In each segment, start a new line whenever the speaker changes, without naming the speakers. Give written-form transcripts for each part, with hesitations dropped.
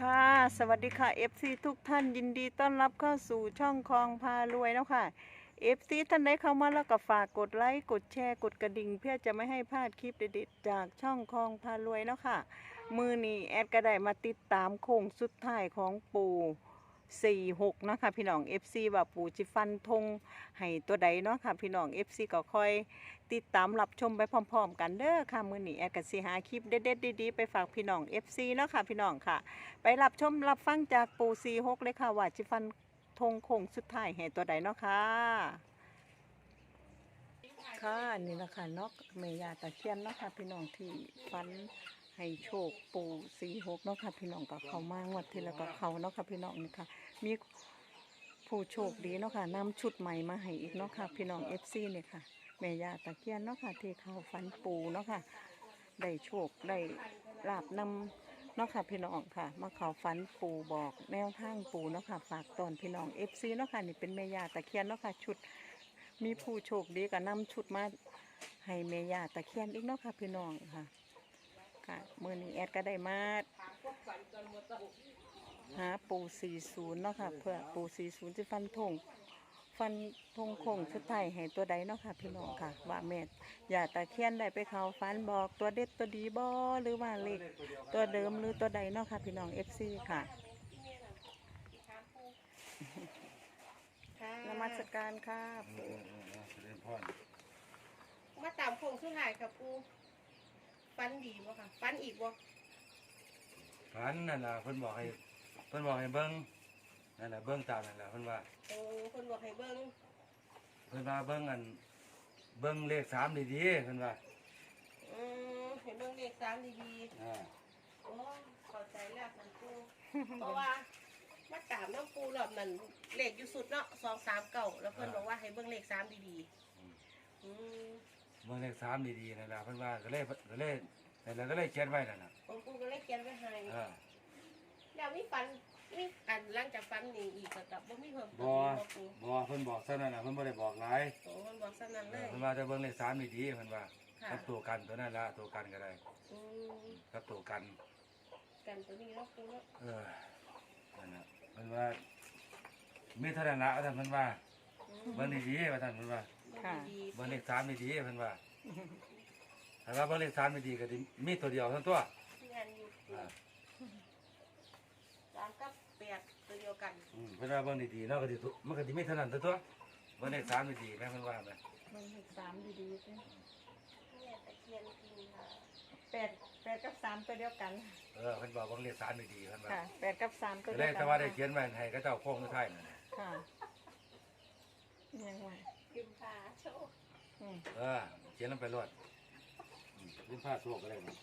ค่ะสวัสดีค่ะ FC ทุกท่านยินดีต้อนรับเข้าสู่ช่องคลองพารวยแล้วค่ะ FC ท่านใดเข้ามาแล้วก็ฝากกดไลค์กดแชร์กดกระดิ่งเพื่อจะไม่ให้พลาดคลิปเด็ดๆจากช่องคลองพารวยแล้วค่ะมือนี้แอดก็ได้มาติดตามโค้งสุดท้ายของปู่46นะคะพี่น้อง FC ว่าปู่จิฟันธงให้ตัวใดเนาะค่ะพี่น้อง FC ก็คอยติดตามรับชมไปพร้อมๆกันเด้อค่ะมือนี้แอดก็สิหาคลิปเด็ดๆดีๆไปฝากพี่น้อง FC เนาะค่ะพี่น้องค่ะไปรับชมรับฟังจากปู่46เลยค่ะว่าจิฟันธงโค้งสุดท้ายให้ตัวใดเนาะค่ะค่ะนี่นะคะเนาะแม่ย่าตะเคียนเนาะค่ะพี่น้องที่ฟันให้โชคปู่46เนาะค่ะพี่น้องก็เข้ามางวดที่แล้วก็เข้าเนาะค่ะพี่น้องนี่ค่ะมีผู้โชคดีเนาะค่ะนำชุดใหม่มาให้อีกเนาะค่ะพี่น้อง FC เนี่ยค่ะแม่ย่าตะเคียนเนาะค่ะที่เขาฟันปู่เนาะค่ะได้โชคได้ลาบนำเนาะค่ะพี่น้องค่ะมาเขาฟันปู่บอกแนวทางปู่เนาะค่ะฝากตอนพี่น้อง FC เนาะค่ะนี่เป็นแม่ย่าตะเคียนเนาะค่ะชุดมีผู้โชคดีก็นำชุดมาให้แม่ย่าตะเคียนอีกเนาะค่ะพี่น้องค่ะค่ะมื้อนี้แอดก็ได้มาหาปู่40เนาะค่ะเพื่อปู่40จะฟันธงโค้งสุดท้ายให้ตัวใดเนาะค่ะพี่น้องค่ะว่าแม่ย่าตะเคียนได้ไปเขาฟันบอกตัวเด็ดตัวดีบ่หรือว่าเลขตัวเดิมหรือตัวใดเนาะค่ะพี่น้อง FC ค่ะนมัสการค่ะปู่
มาตามโค้งสุดท้ายค่ะปูฟันดีบ่ค่ะฟันอีกบ่
ฝันนั่นล่ะเพิ่นบอกให้เบิ่งนั่นล่ะเบิ่งตามนั่นล่ะเพิ่นว่า
โอ้คนบอกให้เบิ่ง
เบิ่งเลข3ดีๆเพิ่นว่า
ให้เบิ่งเลข3ดี
อ่า
ๆโอ้เข้าใจแล้วค่ะปูเพราะว่ามาตามน้ำปูรอบนั้นเลขอยู่สุดเนาะ239แล้วเพิ่นบอกว่าให้เบิ่งเลข3ดีๆ
เบิ่งเลข3ดีๆนั่นล่ะเพิ่นว่าก็เลยนั่นล่ะก็เลยเขียนไว้นั่นน่ะ
ผมปูก็เลยเขียนไว้ให้
เออ
แล้วมีฟันมีอันหลังจากฟันนี่อีกก็บ่มีเพิ่มเติ
บ่
มบ่ปู
บ่เพิ่นบอกซะนั่นน่ะเพิ่นบ่ได้บอกหลาย
โอ้เพิ่นบอกซั่นนั้นเลย
เพิ่นว่าจะเบิ่งเลข3ดีๆเพิ่นว่า
ค่ะ
กับตัวกันตัวนั้นล่ะตัวกันก็ได้
อืม
กับตัวกัน
กันตัวนี้เนาะปูเนาะ
นั่นน่ะเพิ่นว่ามีเท่านั้นล่ะว่าซั่นเพิ่นว่าเบิ่งดีๆว่าซั่นเพิ่นว่า
ค่ะ
ดี
เบิ่งเลข3ดีๆเพิ่นว่าถ้าว่าเบิ่งเลข3ดีๆก็สิมีตัวเดียวเท่านั้นตัว
งานอยู่
อ่า
ร้านกับแปดตัวเดียวกัน
เพิ่นว่าเบิ่งดีๆเนาะก็สิถูกมันก็สิมีเท่านั้นตัวเบิ่งเลข3ดีๆแม่เพิ่นว่าแม่
มันเลข3ดีๆสิ
แม่ตะเคียนจริงค่ะ
8กับ3ตัวเดียวกัน
เพิ่นบอกเบิ่งเลข3ดีๆเพิ่นว่า
ค่ะ8กับ3ตัว
ก็
เดี
เลย
วยกัน
แต่ว่าได้เขียนไว้ให้เขาเจ้าโค้งสุดท้ายนั่นน่ะ
ค่ะยังไง
ยืมพาโชค
เขียนลงไปรวดยืนผ้าโชคก็ได้เนาะ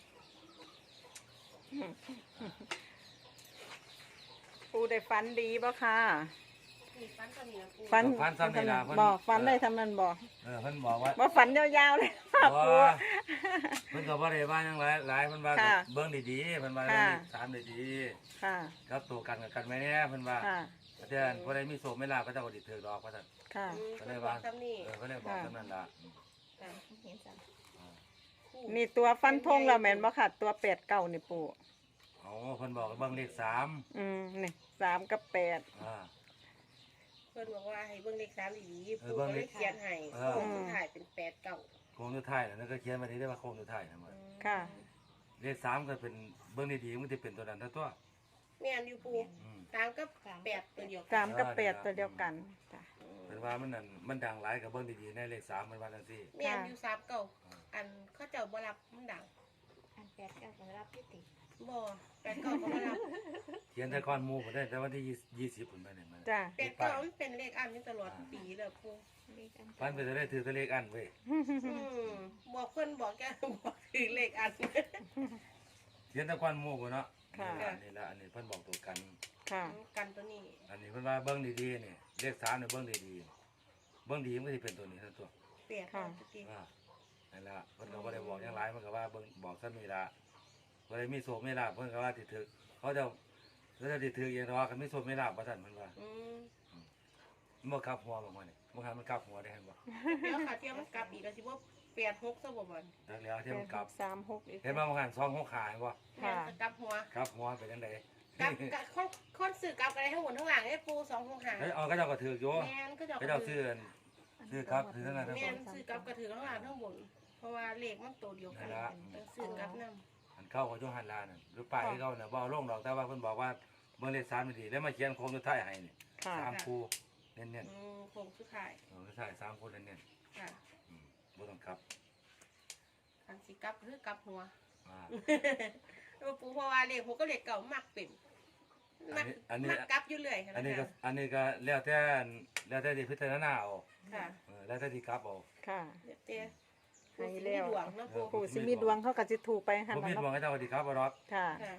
ปูได้ฟันดีบ่ค่ะ
มีฟันก็มีนะปู
ฟันซ้ำนี่ล่ะเพิ่น
บอกฟันได้ทำนั้นบอก
เพิ่นบอกว่า
ว่าฟันยาวๆเลยค่ะ
บ่
ปู
เพิ่นก็บ่ได้ว่าหยังหลายเพิ่นว่า
ค่ะ
เบิ่งดีๆเพิ่นว่า
ค่ะ
เลข3ดี
ค่ะ
ๆครับตัวกันกับกันไว้แน่เพิ่นว่า
ค่ะ
แต่เดือนบ่ได้มีโชคไม่ลาภก็เจ้าก็สิถือดอกว่าซั่น
ค่ะ
ก็เลยว่า
ทำนี่
ก็เลยบอกเท่านั้นล่ะ
เห็นจัง
นี่ตัวฟันธงเราแม่นบ่ค่ะ ตัว8 9นี่ปู
อ๋อเพิ่นบอกเบิ่งเลข3
นี่3กับ8
อ่า
เพิ่นบอกว่าให้เบิ่งเลข3ดีๆ
เอ
ปู
อเบิ่
ก็
ง
เล
เลย ข
เขียนให้
เออ
โค้งสุดท้ายเป็น8 9
โค้งสุดท้ายนั่นก็เขียนไว้ได้ว่าโค้งสุดท้ายนั่นว่า
ค่ะ
เลข3ก็เป็นเบิ่งดีๆมันสิเป็นตัวนั้นทั้งตัว
แม่นอยู่ปู
อืม
3กับ8ตัวเดียวกัน
3กับ8ตัวเดียวกันจ้ะ
เป็นว่ามันนั่นมันดังหลายกับเบิ่งดีๆในเลข3มันว่าจังซี่
แม่นอยู่3เก่าอันเขาเจ้าบ่รับมันดัง
อันแปดเก้าก็รับพิติ
บ่8 9ก็บ่รับ
เขียนแต่ก่อนหมู่บ่ได้แต่วันที่20พุ่นไปนี่มัน
จ้ะ
8 9มันเป็นเลขอันนี้ตลอดปีเลยปู
เลขอัน
พันไปจะได้ถือแต่เลขอันเว้ย
บอกเพิ่นบอกแกบอกคือเลขอัน
เขียนแต่ก่อนหมู่บ่เนาะ
ค่ะ
นี่ล่ะอันนี้เพิ่นบอกตัวกัน
ค่ะ
กันตัวนี้
อันนี้เพิ่นว่าเบิ่งดีๆนี่เลข3นี่เบิ่งดีๆเบิ่งดีมันก็สิเป็นตัวนี้ทั้งตัว
เปลี่ยนตัวจริง
นั่นล่ะเพิ่นก็บ่ได้บอกหยังหลายเพิ่นก็ว่าเบิ่งบอกซั่นนี่ล่ะบ่ได้มีโชคมีลาภเพิ่นก็ว่าสิถึกเขาจะสิถึกเองแต่ว่าคันมีโชคมีลาภว่าซั่นเพิ่นว่ามันบ่กลับหัวบ่มื้อนี่บ่หันมันกลับหัวได้เห็นบ่
เดี๋ยวขาเทียมมันกลับอีกแล้วสิว่า86ซะบ่บ่น
จักแล้วที่มันกลับ
3 6อีก
เห็นบ่มันหัน2 6ขาเห็นบ่
แม่นจะกลับหัว
กลับหัวไปจังได๋
กับคนสื่อกลับอะไรทั้งหมดทั้งหลังไอ้ปู265
เฮ้ยเอาก็เจ้าก็ถือกอยู่
แม่นก็จะ
ก็เจ้าซื้อครับซื้อทั้งนั้นทั้ง
แม่
หม
น
ด
สื่อกลับก็ถือทั้งหลังทั้งบนเพราะว่าเลขมันตัวเดียวกันต้องสื่อกลับนำ
อันเข้ากับโยฮันลาน่ะหรือป้ายเขาน่ะบ่เอาลงดอกแต่ว่าเพิ่นบอกว่าเบิ่งเลข3มันดีแล้วมาเขียนโครงสุดท้ายให้นี่
ค่ะ
3คู่เน้น
โค้งสุดท้าย
ๆสุดท้าย3คู่เน้น
ค่ะ
ๆบ่ต้องกลับ
คันสิกลับคือกลับหัว
อ่า
แล้วปูเพราะว่าเลขหัวก็เลขเก่ามักเป็นมักกลับอยู่เรื่อยค่ะ
อันนี้ก็แล้วแต่ที่พิจารณาเอา
ค่ะ
แล้วแต่ที่กลับเอา
ค่ะ
เดี๋ยวเตี้ย
ให้แล้ว
ดวงนะปู
ปู่สิมีดวงเขาก็สิถูกไปหั่น
บ่มี
ล่ะ
ดวง
เนาะ
ให้เจ้าก็สิกลับบ่ดอก
ค่ะ
ค่ะ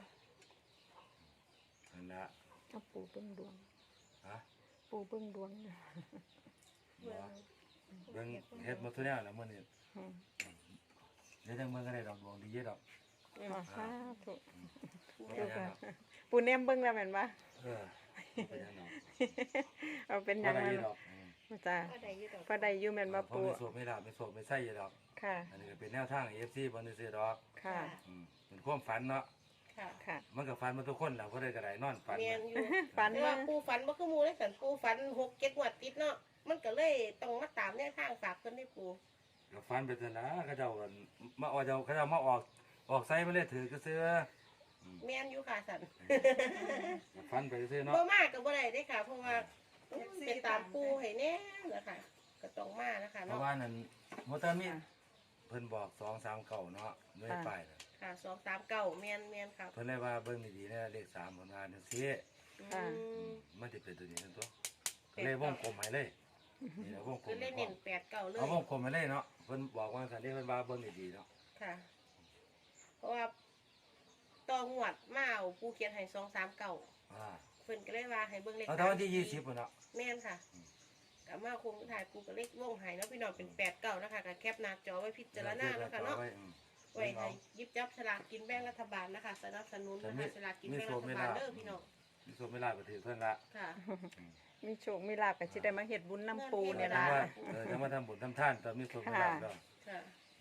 นั่นล่ะ
เอาปู่เบิ่งดวง
ฮะ
ปู่เบิ่งดวงนะ
เบิ่งเฮ็ดหมดทุกแนวแล้วมื้อนี้
อืม
เดี๋ยวจังเบิ่งก็ได้ดอกดวงดีเยอะดอก
อ๋อสาธุ
บ่เป็นหยังดอก
ปู่แนมเบิ่งแล้วแม่นบ่
เออบ่เป็นหยังดอก
เอาเป็นหยัง
บ่
ไง
ได้ดอก
จ้า
ก็ได้อยู่ดอก
พอได้อยู่แม่นบ่
เพราะ
ปู่
ไม่โสไม่ลาบไม่โสไม่ใส่อยู่ดอก
ค่ะ
อันนี้ก็เป็นแนวทาง FC บ่ได้ซื้อดอก
ค่ะ
เป็นความฝันเนาะ
ค่ะ
ค่ะ
มันก็ฝันมาทุกคนแหละบ่ได้ก็ได้นอนฝัน
เมียนอยู่
ฝัน
แต่
ว่า
ว่าปูฝันบ่คือหมูเลยสันปูฝัน6-7งวดติดเนาะมันก็เลยต้องมาตามแนวทางฝากเพิ่นได้ปู
ก็ฝันไปซั่นนะเขาเจ้าก็มาเอาเขาเจ้ามาออกไสมาเลยถือก็ซื้อ
เมียนอยู่ค่ะสัน
ฝันไปซื้อเนาะ
บ่มากก็บ่ได้เด้ค่ะ เพราะว่าเป็นตามปูให้แน่นะคะก็ต้องมานะคะ
เพ
เนาะ
ราะว่านั่นมอเตอร์มิเพิ่นบอก2-3เก่าเนาะไม่ได้ไปน่ะ
ค่ะ239เมียนครับ
เพิ่นเลยว่าเบิ่งดีๆนะเลข3เพิ่นว่าจังซี่
ค่ะ
มันสิเป็นตัวนี้นั่นตัวก็เลยวงกลมให้เลยนี่แหละวงกล
คือ
ม
เล่นเน้น8-9เลย
เอาวงกลมให้เลยเนาะเพิ่นบอกว่าซั่นนี่เพิ่นว่าเบิ่งดีๆเนาะ
ค่ะ เพราะว่าต่องวดมาเอาปูเขียนให้239
อ่า
เพิ่นก็เลยว่าให้เบิ่งเลข
เอาแต่วันที่20พุ่นเนาะ
แม่นค่ะกับมาคงถ่ายปูกับเลขวงไห้เนาะพี่น้องเป็น8-9นะคะก็แคปหน้าจอไว้พิจารณานะคะเนาะ ไว้ให้หยิบจับฉลากกินแบ่งรัฐบาลนะคะสนับสนุนนะคะฉลากกินแบ่งรัฐบาลเด้อพี่น้อง
มีโซไม่ลาก็ถือเพิ่นละ
ค่ะ
มีโชคมีลาภก็สิได้มาเฮ็ดบุญน้ำปูเนี่ย
จั
ล่ะ
งว่าจังว่าทำบุญทำท่านตอนมีโซไม่ลาก็
ค่ะ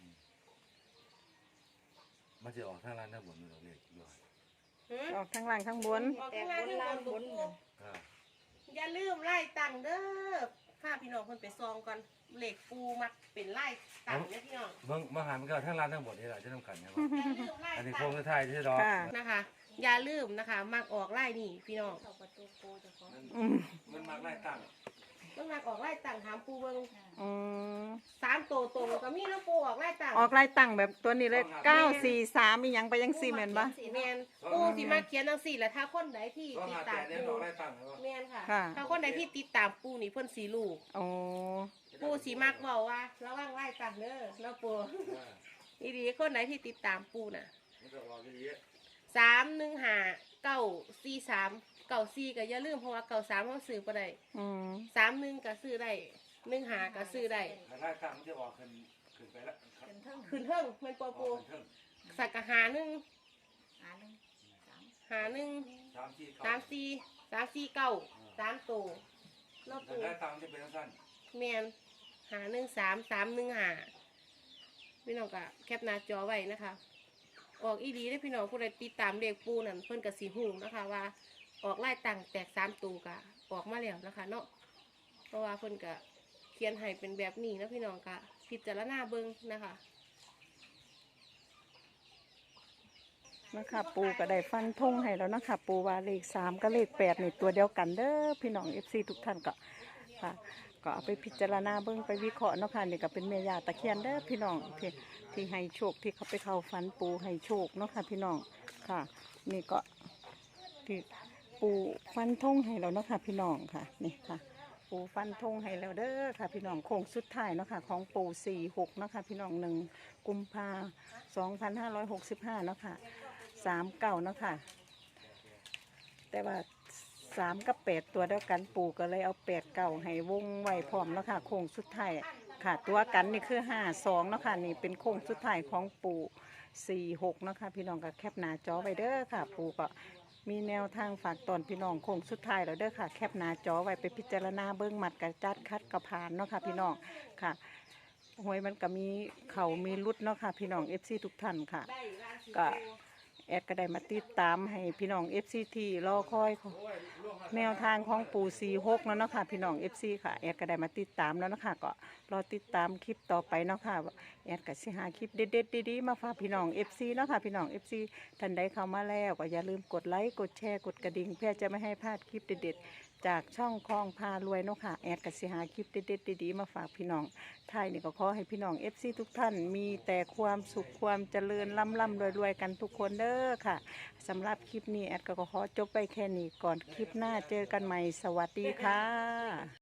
มันจะออกทางร้านทางบุญนี่ดอกเล็กอยู่
หือ
ออกทั้งล่างทั้งบน
ออกข้างล่างข้างบนปู
อ่า
อย่าลืมไล่ตังค์เด้อพาพี่น้องเพิ่นไปซองก่อนเหล็กปูมักเป็นไล่ตังค์เนี่ยพี่น้อง
เบิ่งมาหามันก็ทางร้านทางบุญนี่แหละจะทำกันไงวะ
อย่าลืมไล่
อันนี้
ตั
โค้ง
งค์
สุดท้ายที่ดอก
ค่ะ
นะคะ อย่าลืมนะคะ มักออกไล่นี่พี่น้อง
เข้าประตูโกเจะของ
อืม
มันมักไล่ตั้ง
ต้องมักออกไล่ตังค์ถามปูเบิ่ง
อืม
3ตัวตรงก็มีแล้วปูออกไล่ตังค์
ออกลายตั้งแบบตัวนี้เลย943อีหยังไปยัง4แม่นบ่
แม่นปูสิมาเขียนจังซี่แหละถ้าคนใดที่
ก็
ติด
หา
ตา
แต่
ม
เนี่ยด
ปู
อกไล่ตั้งเลยวะ
แม่นค่ะ
ค่ะ
ถ้าคนใดที่ติดตามปูนี่เพิ่นสีลูก
โอ้
ปูสีมักเว้าว่าระวังไล่ตังเด้อเนาะปู
อ่า
อีดีคนไหนที่ติดตามปูน่ะ
มันจะออกอย่างนี้
315-943-94ก็อย่าลืมเพราะว่า93เฮาซื้อบ่ได้
อืม
31ก็ซื้อได้15ก็ซื้อได้
ไล่ตั้งมันจะออกขึ้นไปแล้ว
เป็นเท่ง
ขึ้นเทิงแม่นบ่
อ
ปู
อกขึ้น
สักกะหาหนึ่ง
หาหนึ่งสาม
หาหนึ่ง
3-4
3 ตัวเนาะ
แต่
ปู
ไล่ตั้งจะเป็นสั้น
แม่นหา13315พี่น้องก็แคปหน้าจอไว้นะคะ ออกอีดีได้อพี่น้องผู้ใดติดตามเด็กปูนั่นเพิ่นก็สิฮู้นะคะว่า ออกไล่ตังแตก3ตัวก็ออกมาแล้วนะคะเนาะเพราะว่าเพิ่นก็เขียนให้เป็นแบบนี้นะพี่น้องก็พิจารณาเบิ่งนะคะ
นะคะปูก็ได้ฟันธงให้แล้วนะคะปูว่าเลข3กับเลข8นี่ตัวเดียวกันเด้อพี่น้อง FC ทุกท่านก็ค่ะก็เอาไปพิจารณาเบิ่งไปวิเคราะห์เนาะค่ะนี่ก็เป็นแม่ย่าตะเคียนเด้อพี่น้องที่ให้โชคที่เขาไปเข้าฝันปูให้โชคเนาะค่ะพี่น้องค่ะ นี่ก็ที่ปูฟันธงให้แล้วเนาะค่ะพี่น้องค่ะนี่ค่ะ ปูฟันธงให้แล้วเด้อค่ะ พี่น้องโค้งสุดท้ายเนาะค่ะของปู46เนาะค่ะพี่น้อง1 กุมภา2565เนาะค่ะ39เนาะค่ะแต่ว่า3กับ8ตัวเดียวกันปูก็เลยเอา8 9ให้วงไว้พร้อมเนาะค่ะโค้งสุดท้ายค่ะ ตัวกันนี่คือ52เนาะค่ะนี่เป็นโค้งสุดท้ายของปู46เนาะค่ะพี่น้องก็แคปหน้าจอไว้เด้อค่ะ ปูก็มีแนวทางฝากตอนพี่น้องโค้งสุดท้ายแล้วเด้อค่ะแคปหน้าจอไว้ไปพิจารณาเบิ้งมัดกระจัดคัดกระพานเนาะค่ะพี่น้องค่ะหวยมันก็มีเขามีรุดเนาะค่ะพี่น้อง FC ทุกท่านค่ะ
ได้ราศี
ก็แอดก็ได้มาติดตามให้พี่น้อง FC ที่รอคอยของแนวทางของปู่46แล้วเนาะค่ะพี่น้อง FC ค่ะแอดก็ได้มาติดตามแล้วเนาะค่ะก็รอติดตามคลิปต่อไปเนาะค่ะแอดก็สิหาคลิปเด็ดๆดีๆมาฝากพี่น้อง FC เนาะค่ะพี่น้อง FC ท่านใดเข้ามาแล้วก็อย่าลืมกดไลค์กดแชร์กดกระดิ่งเพื่อจะไม่ให้พลาดคลิปเด็ดๆจากช่องคลองพารวยเนาะค่ะแอดก็สิหาคลิปเด็ดๆดีๆมาฝากพี่น้องท้ายนี่ก็ขอให้พี่น้อง FC ทุกท่านมีแต่ความสุขความเจริญร่ำๆรวยๆกันทุกคนเด้อค่ะสำหรับคลิปนี้แอดก็ขอจบไปแค่นี้ก่อนคลิปหน้าเจอกันใหม่สวัสดีค่ะ